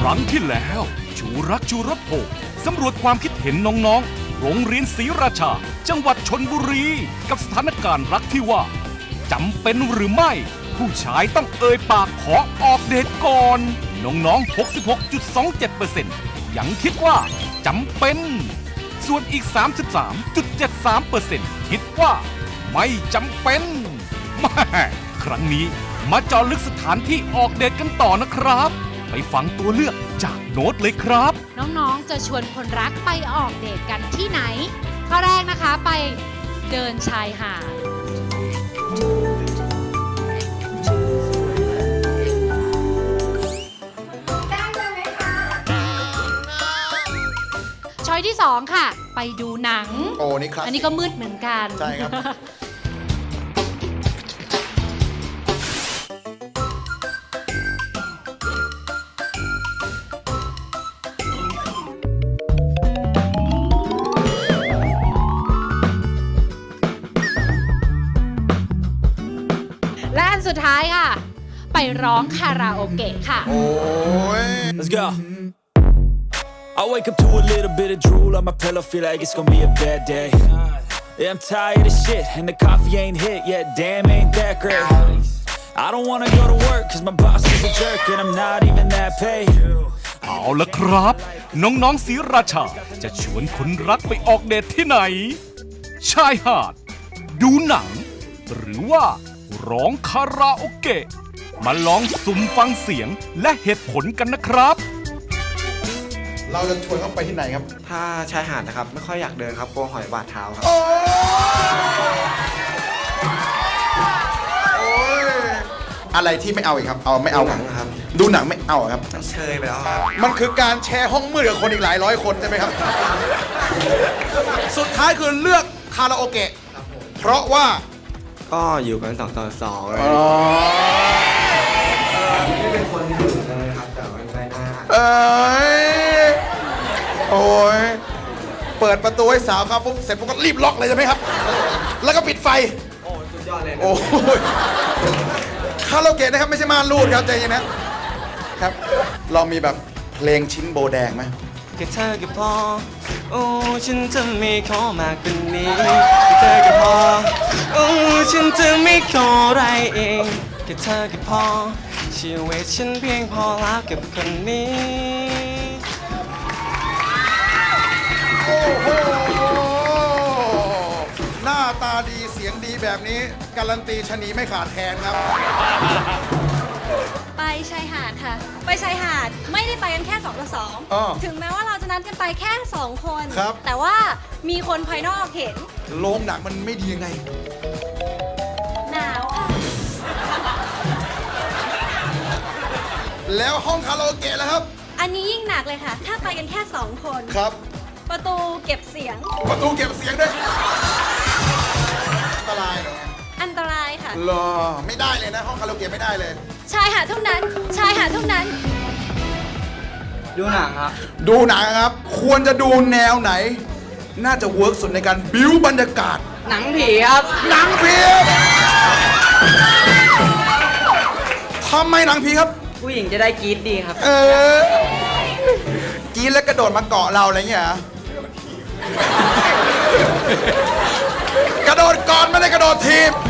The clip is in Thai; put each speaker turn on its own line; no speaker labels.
ครั้งที่แล้วชูรักชูรสโพสำรวจความคิดเห็นน้องๆโรงเรียนศรีราชาจังหวัดชลบุรีกับสถานการณ์รักที่ว่าจำเป็นหรือไม่ผู้ชายต้องเอ่ยปากขอออกเดทก่อนน้องๆ 66.27% ยังคิดว่าจำเป็นส่วนอีก 33.73% คิดว่าไม่จำเป็นแม่ครั้งนี้มาเจาะลึกสถานที่ออกเดทกันต่อนะครับไปฟังตัวเลือกจากโน้ตเลยครับ
น้องๆ จะชวนคนรักไปออกเดทกันที่ไหน ข้อแรกนะคะไปเดินชายหาดช้อยที่ 2 ค่ะ ไปดูหนัง
โอ้นี่ครับ
อันนี้ก็มืดเหมือนกัน
ใช่ครับ
และอันสุดท้ายค่ะ ไปร้องคาราโอเกะค่ะ
โอ้ย
Let's go. I wake up to a little bit of drool on my pillow, feel like it's gonna be a bad day. Yeah, I'm tired of shit, and the coffee ain't hit yet, damn, ain't that great. I don't wanna go to work, cause my boss is a jerk, and I'm not even that paid.
เอาละครับ น้องๆศรีราชาจะชวนคนรักไปออกเดทที่ไหน ชายหาด ดูหนัง หรือว่าร้องคาราโอเกะมาลองสุ่มฟังเสียงและเหตุผลกันนะครับ
เราจะชวนเขาไปที่ไหนครับ
ถ้าชายหาดนะครับ ไม่ค่อยอยากเดินครับกลัวหอยบาดเท้าครับ
โอ้ยอะไรที่ไม่เอาอีกครับ เอาไม่เอา
ดูหนังครับ
ดูหนังไม่เอาครับ
ต้องเชยไปแล้วครับ
มันคือการแชร์ห้องมืดกับคนอีกหลายร้อยคนใช่ไหมครับ สุดท้ายคือเลือกคาราโอเกะเพราะว่า
ก็อยู่กัน2 ต่อ 2เลยไม่เป็นคนที่ดุเลยครับ แต่ว่าไม่น่า
เอ้ยโอ้ยเปิดประตูให้สาวครับปุ๊บเสร็จปุ๊บก็รีบล็อกเลยใช่ไหมครับ แล้วก็ปิดไฟ
โอ้สุดยอดเลยนะ
โอ้ยคาราโอเกะนะครับไม่ใช่ม่านรูดครับใจเย็นนะครับ เรามีแบบเพลงชิ้นโบแดงไหม
แค่เธอก็พอ โอ้ฉันจะไม่ขอมากกว่านี้แค่เธอก็พอ โอ้ฉันจะไม่ขออะไรเองแค่เธอก็พอชีวิตฉันเพียงพอแล้วกับคนนี้
โอ้โหหน้าตาดีเสียงดีแบบนี้การันตีชะนีไม่ขาดแคลนครับ
ไปชายหาดค่ะ ไปชายหาดไม่ได้ไปกันแค่2 ต่อ
อ้อ
2 ถึงแม้ว่าเราจะนัดกันไปแค่ 2 คน
ครับ
แต่ว่ามีคนภายนอกเห็น
โรงหนังมันไม่ดียังไง
หนาวค่ะ
แล้วห้องคาราโอเกะแล้วครับ
อันนี้ยิ่งหนักเลยค่ะ ถ้าไปกันแค่ 2 คน
ครับ
ประตูเก็บเสียง
ประตูเก็บเสียงด้วยอันตรายเหรอ
อันตรายค่ะ
รอไม่ได้เลยนะ ห้องคาราโอเกะไม่ได้เลย
ชายหาดเท่านั้น ชายหาดเท่านั้น
ดูหนังครับ
ดูหนังครับ ควรจะดูแนวไหน น่าจะเวิร์กสุดในการบิ้วบรรยากาศ
หนังผีครับ
หนังผีทำไมหนังผีครับ
ผู้หญิงจะได้กรี๊ดดีครับ
กินแล้วกระโดดมาเกาะเราอะไรเงี้ยเหรอ กระโดดก่อนไม่ได้กระโดดทีบ